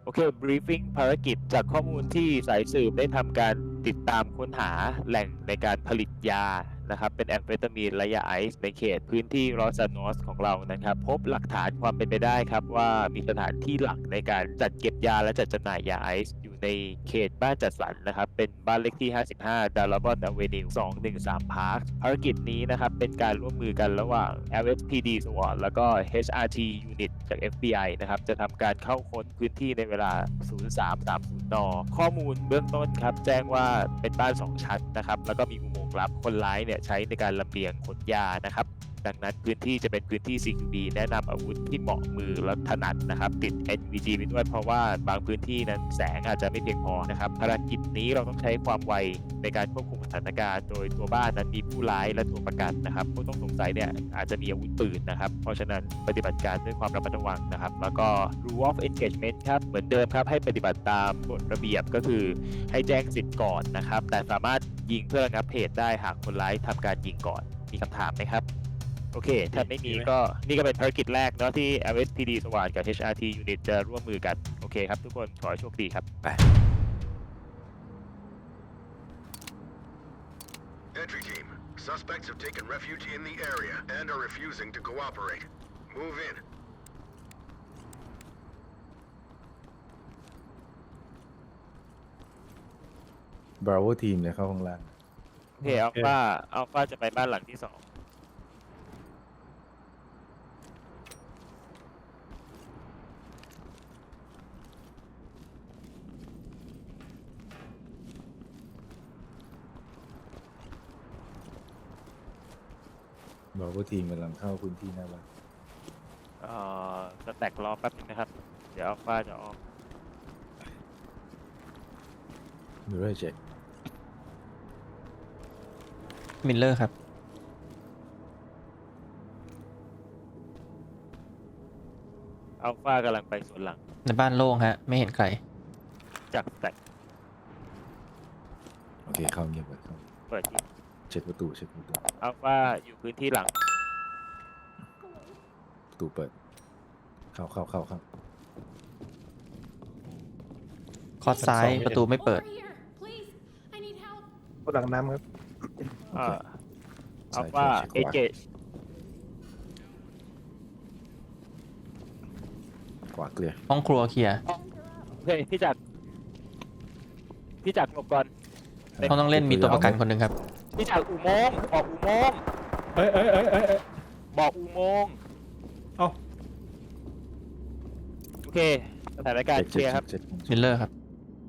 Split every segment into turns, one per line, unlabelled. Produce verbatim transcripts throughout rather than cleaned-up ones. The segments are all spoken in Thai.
อเค briefing ภารกิจจากข้อมูลที่สายสืบได้ทำการติดตามค้นหาแหล่งในการผลิตยานะครับเป็นแอมเฟตามีนและยาไอซ์ในเขตพื้นที่รอสซานอสของเรานะครับพบหลักฐานความเป็นไปได้ครับว่ามีสถานที่หลักในการจัดเก็บยาและจัดจำหน่ายยาไอซ์อยู่ในเขตบ้านจัดสรรนะครับเป็นบ้านเลขที่ห้าสิบห้า Darabont Avenue สองหนึ่งสาม Park ภารกิจนี้นะครับเป็นการร่วมมือกันระหว่าง แอล เอส พี ดี SWAT แล้วก็ เอช อาร์ ที Unit จาก เอฟ บี ไอ นะครับจะทำการเข้าค้นพื้นที่ในเวลา ศูนย์สามสามศูนย์ น ข้อมูลเบื้องต้นครับแจ้งว่าเป็นบ้านสองชั้นนะครับแล้วก็มีอุโมงค์ลับคนร้ายเนี่ยใช้ในการลำเลียงขนยานะครับดังนั้นพื้นที่จะเป็นพื้นที่ ซี คิว บี แนะนำอาวุธที่เหมาะมือและถนัดนะครับติด เอ็น วี จี ไปด้วยเพราะว่าบางพื้นที่นั้นแสงอาจจะไม่เพียงพอนะครับภารกิจนี้เราต้องใช้ความไวในการควบคุมสถานการณ์โดยตัวบ้านนั้นมีผู้ร้ายและตัวประกันนะครับผู้ต้องสงสัยเนี่ยอาจจะมีอาวุธปืนนะครับเพราะฉะนั้นปฏิบัติการด้วยความระมัดระวังนะครับแล้วก็ rule of engagement ครับเหมือนเดิมครับให้ปฏิบัติตามกฎระเบียบก็คือให้แจ้งสิทธิ์ก่อนนะครับแต่สามารถยิงเพื่อระงับเหตุได้หากคนร้ายทำการยิงก่อนมีคำถามไหมครับโอเคถ้าไม่มีก็นี่ก็เป็นภารกิจแรกเนาะที่ แอล เอส พี ดี SWAT กับ เอช อาร์ ที Unit จะร่วมมือกันโอเคครับทุกคนขอให้โชคดีครับไป
Entry team, suspects have taken refuge in the area and are refusing to cooperate. Move in.
บราโวทีมเลยเข้าข้างล่าง
โอเคอัลฟาอัลฟาจะไปบ้านหลังที่สอง
บราโวทีมกำลังเข้าพื้นที่หน้าบ้าน
เอ่อสแต็กรอแป๊บนึงนะครับ เดี๋ยวอัลฟาจะออก
มิเรอร์เจ็ค
มิลเลอร์ครับ
อัลฟากำลังไปสวนหลัง
ในบ้านโล่งฮะ ไม่เห็นใคร
จากสแต็ก
โอเคเข้าเงียบไปเข้า
เปิดที่
เช็คประตูเช็คประตู
อัลฟาอยู่พื้นที่หลัง
ประตูเปิด เข้าเข้าเข้าเข้า
คอร์สซ้ายประตูไม่เปิด
Over here, please. I need help.
หลังน้ำครับ
โอ
อ่า
เค
อัลฟา
ซ้าย
เอ
ขวา
เจ
ขวาเกลียร์
ห้องครัวเคลียร์
โอเคพี่จักรพี่จักรหลบก่อน
ห้องต้องเล่นมีตัวประกันคนหนึ่งครับ
พี่จักรอุโมงค์บอกอุโมงค์
เอ้ยเอ้ยเอ้ยเอ้ยเอ้ย
บอกอุโมงค์
เอ้า
โอเคสถานการณ์เคลียร์ครับ
เช็คเช็ค
มิลเลอร์ครับ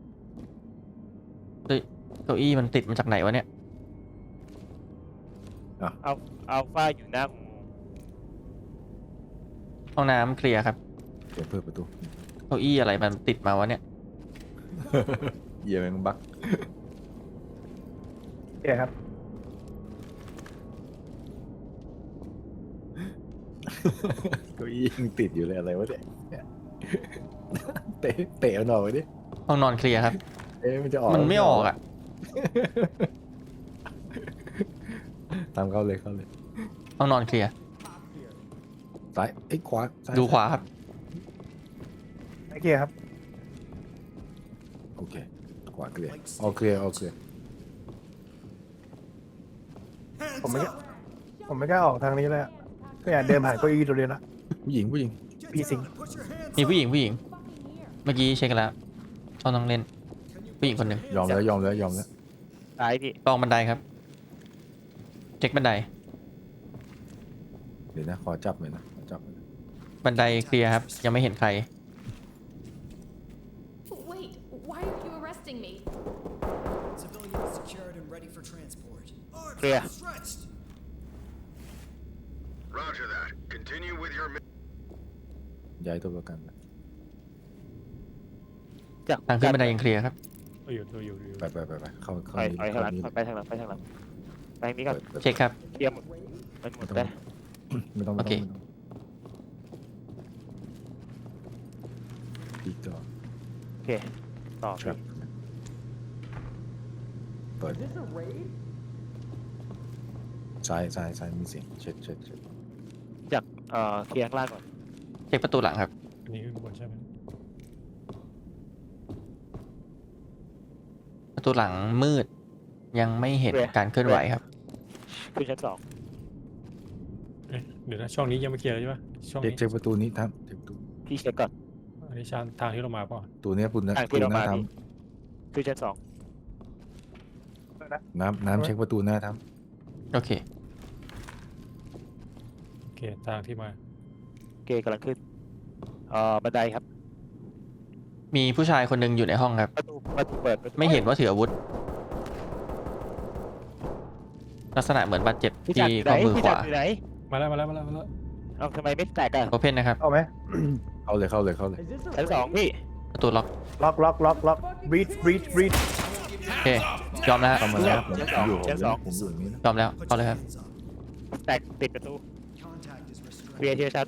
เฮ้ยเก้าอี้มันติดมาจากไหนวะเนี่ย
อัลอัลฟาอยู่หน้าอุโมงค์
ห้องน้ำเคลียร์ครับ
เช็คเพิ่มประตู
เก้าอี้อะไรมันติดมาวะเนี่ย
เยี่ยมงบัก
เดี๋ยวครับ
เก้าอี้ยังติดอยู่เลยอะไรวะเนี่ยเนี่ยเตะเตะเอาหน่อยไว้ดิ
ห้องนอนเคลียร์ครับ
เอ๊ะมันจะออก
มันไม่ออกอ่ะ
ตามเข้าเลยเข้าเลย
ห้องนอนเคลียร์
ซ้ายเอ้ยขวาซ้าย
ดูขวาครับ
ไม่เคลียร์ครับ
โอเคขวาเกลียร์ออเคลียร์ออเคลียร์
ผมไม่กล้าผมไม่กล้าออกทางนี้เลยอะก็อยากเดินผ่านเก้าอี้ตัวเดียวละ
ผู้หญิงผู้หญิง
พี่สิง
มีผู้หญิงผู้หญิง
Fucking here.
เมื่อกี้เช็คกันแล้วห้องต้องเล่น ผู้หญิงคนหนึ่ง
ยอมแล้วยอมแล้วยอมแล้ว
ซ้ายพี่
ลองบันไดครับ เช็คบันได
เดี๋ยวนะขอจับหน่อยนะขอจับหน่อยนะ
บันไดเคลียร์ครับ ยังไม่เห็นใคร
Wait, why are you arresting me?
Civilians secured and ready for transport.
เคลียร์
Stretched.
Roger that. Continue with your mission.
ย้ายตัวประกันไป
จาก
ทางขึ้นบันไดยังเคลียร์ครับ
อยู่อยู่อยู่อยู่
ไปไปไปไปเข้าเข้า
ถอย
นี่
ถอยข้างหลัง
เข้านี่
ไปทางหลังไปทางหลังไปทางนี้ก่อน
เปิดเปิด
เช็คครับ
เคลียร์หมดมันหมดไป
ไม่ต้องไม่
โอเค
ต้องไม่ต้องพีกต่อ
โอเคต่อ
ครับเปิดซ้ายซ้ายซ้ายมีเสียงเช็คเช็คเช็ค
จากเอ่อเคลียร์ข้างล่างก่อน
เช็คประตูหลังครับ
อันนี้คือบนใช่ไหม
ประตูหลังมืด ยังไม่เห็นการเคลื่อนไหวครับ
ขึ้นชั้นสอง
เอ๊ะเดี๋ยวนะช่องนี้ยังไม่เคลียร์เลยใช่ปะช่อง
เช็ค
นี้
เช็คประตูนี้ทำเช็คประตู
พี่เช็คก่อน
อันนี้ชานทางที่เรามาเปล่ะ
ตัวเนี้ยปุ่นนะ
ทาง
ประ
ที่
ตู
เรา
ห
มา
น้าท
พี่ขึ้นชั้นสอง
ำน้ำน้ำเช็คประตูหน้าท
โอเค
โอเคทางที่มา
โอเคกำลังขึ้นเอ่อบันไดครับ
มีผู้ชายคนหนึงอยู่ในห้องครับ
ประตูประตูเปิดประตู
ไม่เห็นว่าถืออาวุธ ลักษณะเหมือนบาดเจ็บ
พี่จั
ที่
กรอยู่ไหน
ข้อมือ
พี่
ข
จัก
วาร
อยู่ไหน
มาแล้วมาแล้วมาแล้วมาแล้ว
เอาทำไมไม่แตกอะ
โอเพนนะครับ
เอาไหม
ำเข้าเลยเข้าเลยเข้าเลย
ชั้นสองพี่
ประตูล็อก
ล็อกล็อกล็อกล็อก breach breach breach
โอเค ยอมแล้ว
เข้ามาแล้วผม
ชั้น
ผ
สอ
ม
ง
อยู่ผม
ชั้น
อ
สอยู่ ง
ผมอยู่อย่างนี้นะ
ยอมแล้ว
Put
เข้าเลย
your
ครับ
hands up.
แตกติดประตู
Contact is
เคลียร์
restrained.
ทีละชั้น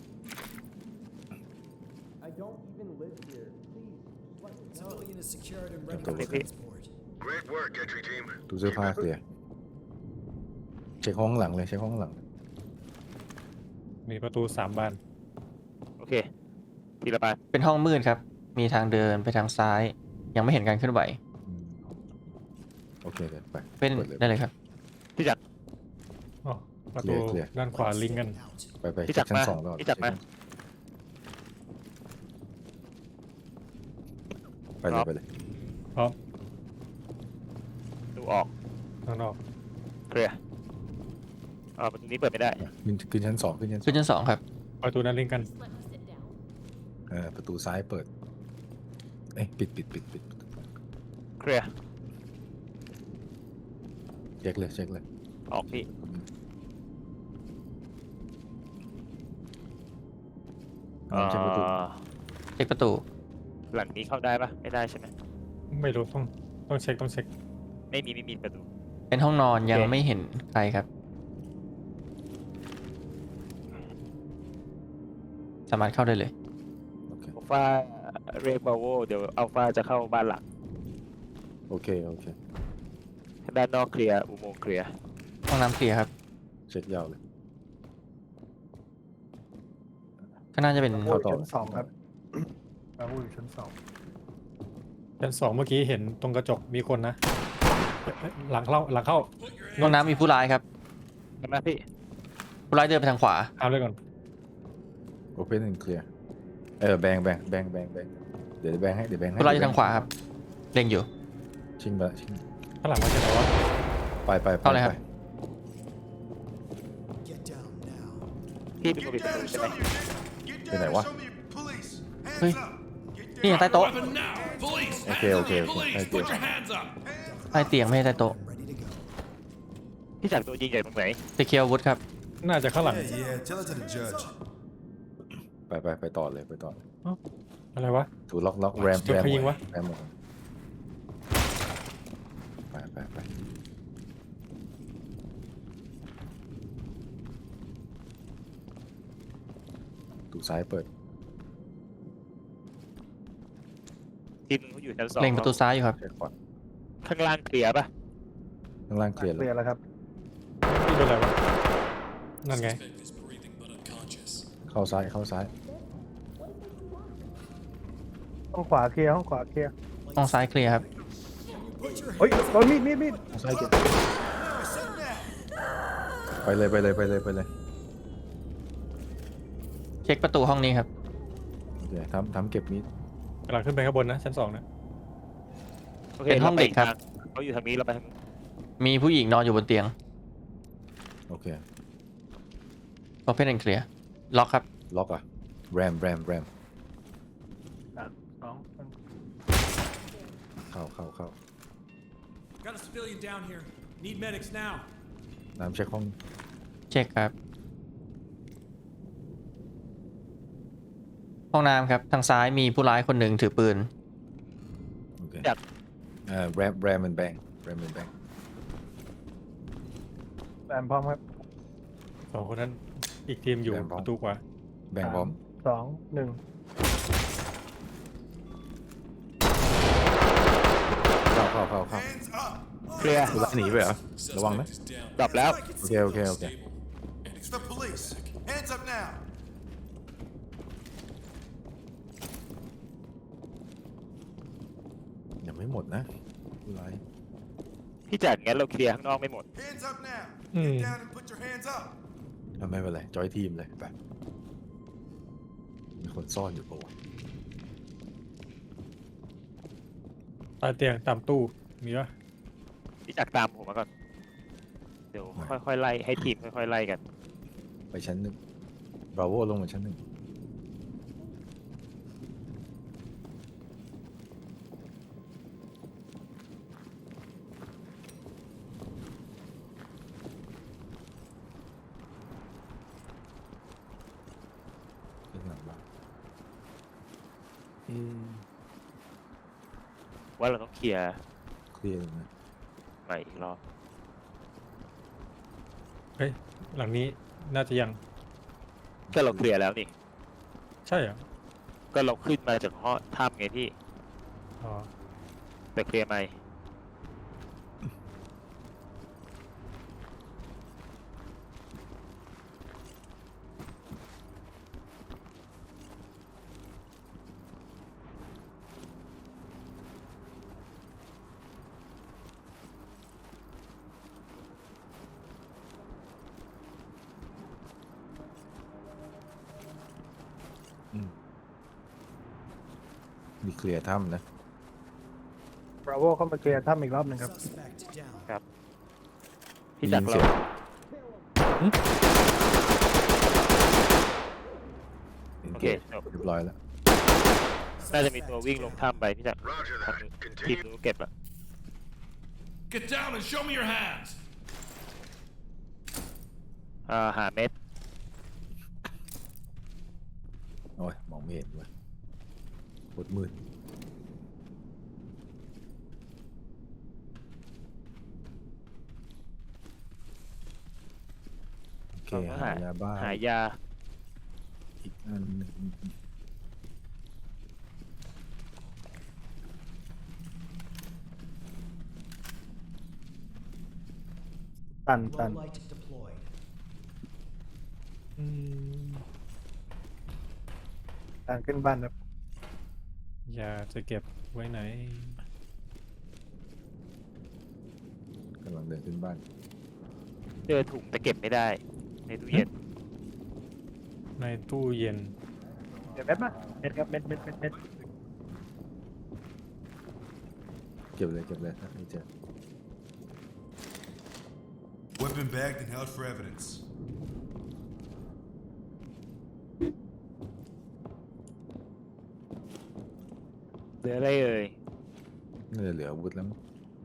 Civilian is secured and ready
Don't
for
worry.
transport.
Great work, entry team.
ตู้เสื้อผ้าเคลียร์เช็คห้องหลังเลยเช็คห้องหลัง
มีประตูสามบาน
โอเคทีละบาน
เป็นห้องมืดครับ มีทางเดินไปทางซ้าย ยังไม่เห็นการเคลื่อนไหว
อืมโอเคเลยไป
เป็น
ปิด
ได้เลยครับ
พี่จักร
อ๋อประตู
เคลียร์
ด้านขวาลิงก์กัน
Out.
ไปไป
พี่
เช็
จั
ค
กร
ชั้น
มา
สองก่อน
พี่จักรมา
ไปเลยไปเลย
พร้อม
ประตูออก
ข้างนอก
เคลียร์อ่าประตูนี้เปิดไม่ได้
ขึ้นขึ้นชั้นสองขึ้นชั้นส
ขึ้
อน ง
ชั้นสองครับ
ประตูนั้นลิงก์กัน
Just let me sit down.
เออประตูซ้ายเปิดเอ้ยปิดปิดปิดปิด
เคลียร์
เช็คเลยเช็คเลย
ออกพี่
อ่าเช็คประตู
อ่า
เช็คประตู
หลังนี้เข้าได้ปะไม่ได้ใช่ไหม
ไม่รู้ต้องต้องเช็คต้องเช็ค
ไม่มีไม่มีประตู
เป็นห้องนอนยัง
โอเค
ไม่เห็นใครครับ สามารถเข้าได้เลย
โอเค
อัลฟาเรียกบาโวเดี๋ยวอัลฟาจะเข้าบ้านหลัก
โอเคโอเค
ด้านนอกเคลียร์อุโมงค์เคลียร์
ห้องน้ำเคลียร์ครับ
เช็คยาวเลย
ก็น่าจะเป็น
โอ้ยชั้นสองครับอาวุธอยู่ชั้นสอง
ชั้นสองเมื่อกี้เห็นตรงกระจกมีคนนะเอ๊ะเอ๊ะหลังเข้าหลังเข้า
ห้องน้ำมีผู้ร้ายครับ
ใช่ไหมพี่
ผู้ร้ายเดินไปทางขวา
เอาเลยก่อน
โอเพนแอนด์เคลียร์เออแบงแบงแบงแบงแบงเดี๋ยวแบงให้เดี๋ยวแบงให้
ผู้ร้ายอยู่ทางขวาครับ เล็งอยู่
ชิงไปละชิง
ข้างหลังมาจากไหนวะ
ไปไปไป
เข้าเลยครับ
ไป
Get down now.
พี่เป็นคนปิดประตูใช่ไหม
ไปไหนวะ
เฮ้ย นี่ไงใต้โต๊ะ
โอเคโอเคโอเคให้เกียร์
ใต้เตียงไม่ใช่ใต้โต๊ะ
Ready to go.
พี่จักรตัวยิงใหญ่ตรงไหน
ตะเคียวอาวุธครับ
น่าจะข้างหลัง
Yeah, tell it to the judge.
ไปไปไปต่อเลยไปต่อเลย
อะไรวะ
ถูล็อกล็อกแรม
เดี๋ยว
แรม
ใครยิงวะ
แรมหมดไปไปไปตูซ้ายเปิด
ทีมนึงเขาอยู่ชั้นสอง
เล็งประตูซ้ายอยู่ครับ
เช็คก่อน
ข้างล่างเคลียร์ปะ
ข้างล่างเคลียร์
เค
แล้
ลี
วย
ร์แล้วครับ
นี่เป็นอะไรวะนั่นไง
เข้าซ้ายเข้าซ้าย
ห้องขวาเคลียร์ห้องขวาเคลียร์
ห้องซ้ายเคลียร์ครับ
Put your
เฮ้ยโดนมีดมีดมีด
เข้าซ้ายเก็บไปเลยไปเลยไปเลยไปเลย
เช็คประตูห้องนี้ครับ
โอเคทำทำเก็บมีด
กำลังขึ้นไปข้างบนนะชั้นสองนะ
โอเค
เป็นห้องเด็กครับ
เขาอยู่ทางนี้เราไปทาง
มีผู้หญิงนอนอยู่บนเตียง
โอเค
Open and clear ล็อกครับ
ล็อกอ่ะแรมแรมแรม
สอง
เข้าเข้าเข้า
Got a civilian down here. Need medics now.
น้ำเช็คห้อง
เช็คครับ ห้องน้ำครับ ทางซ้ายมีผู้ร้ายคนหนึ่งถือปืน
โอเคเอ่อแรมแรมมันแบงแรมมันแบง
แอมพร้อมครับ
สองคนนั้นอีกทีมอยู่
แบ่งพร้อม
ประตูขวา
แบงพร้อม
สองหนึ่ง
เข้าเข้าเข้าเข้า
เคลียร์
กูไล่หนีไปเหรอระวังนะ
ดับแล้ว
โอเคโอเคโอเค
It's the police. Hands up now.
ยังไม่หมดนะผู้ร้าย
พี่จัดงั้นเราเคลียร์ข้างนอกไม่หมด
Hands up now.
Hmm.
Get down and put your hands up.
ทำไม่เป็นไรจอยทีมเลยไปมีคนซ่อนอยู่ปะวะ
ใต้เตียงตามตู้มีปะ
พี่จักรตามผมมาก่อน เดี๋ยวค่อยๆไล่ให้ทีมค่อยๆไล่กัน
ไปชั้นหนึ่งบราโวลงมาชั้นหนึ่งขึ้นหลังบ้านเอ๊ะ
ว่าเราต้องเคลียร์
เคลียร์เลยนะ
ใหม่อีกรอบ
เฮ้ยหลังนี้น่าจะยัง
ก็เราเคลียร์แล้วนี่
ใช่เหรอ
ก็เราขึ้นมาจากห้องถ้ำไงพี่
อ๋อ
แต่เคลียร์ไหม
อืมมีเคลียร์ถ้ำนะ
บราโวเข้ามาเคลียร์ถ้ำอีกรอบหนึ่งครับ
Suspect down.
พี่จักรเรา โอเคจบ
เรียบร้อยแล้ว
น่าจะมีตัววิ่งลงถ้ำไปพี่จักร
Roger
ทาง
that.
ทีม
Continue.
นู้นเก็บอะ
Get down and show me your hands.
อ่าหาเม็ด
โอ้ยมองไม่เห็นว่ะปวดมืดโอเค
เราก็
หา
หาย
าบ้า
หายา
อีกอันหนึ่ง
ตันตัน
Low light deployed.
อืม
ตันขึ้นบ้านครับ
ยาจะเก็บไว้ไหน
กำลังเดินขึ้นบ้าน
เจอถุงแต่เก็บไม่ได้ ในตู้เย็น
ในตู้เย็น
เดี๋ยวเม็ดมาเม็ดครับเม็ดเม็ดเม็ดเม็ด
เก็บเลยเก็บเลยถ้าไม่เจอ
Weapon bagged and held for evidence.
เหลืออะไรเอ่ย
น่าจะเหลืออาวุธแล้วมั้ง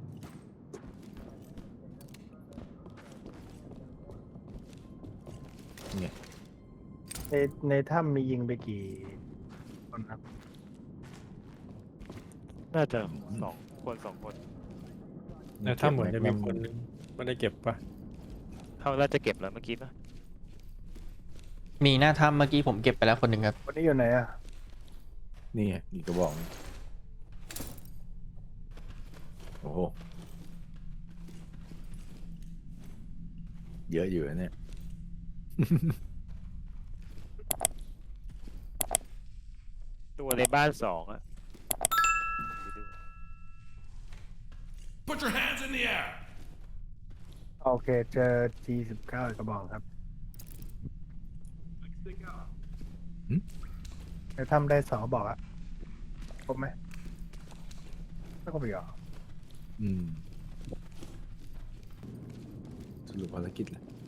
เนี่ย
ในในถ้ำมียิงไปกี่คนครับ
น่าจะสองคนสองคน
ในถ้ำเหมือนจะมีคนนึงไม่ได้เก็บปะ
เขาน่าจะเก็บแล้วเมื่อกี้ปะ
มีหน้าถ้ำเมื่อกี้ผมเก็บไปแล้วคนหนึ่งครับ
วันนี้อยู่ไหนอ่ะ
นี่ไงอีกกระบอกนึงโอ้โหเยอะอยู่นะเนี่ย
ตัวในบ้านสองอะ
Put your hands in the air.
โอเคเจอ จี สิบเก้า กระบอกครับในถ้ำได้สองกระบอกอะครบไหมไม่ครบอีกเหรอ
อืมสรุปภารกิจเลย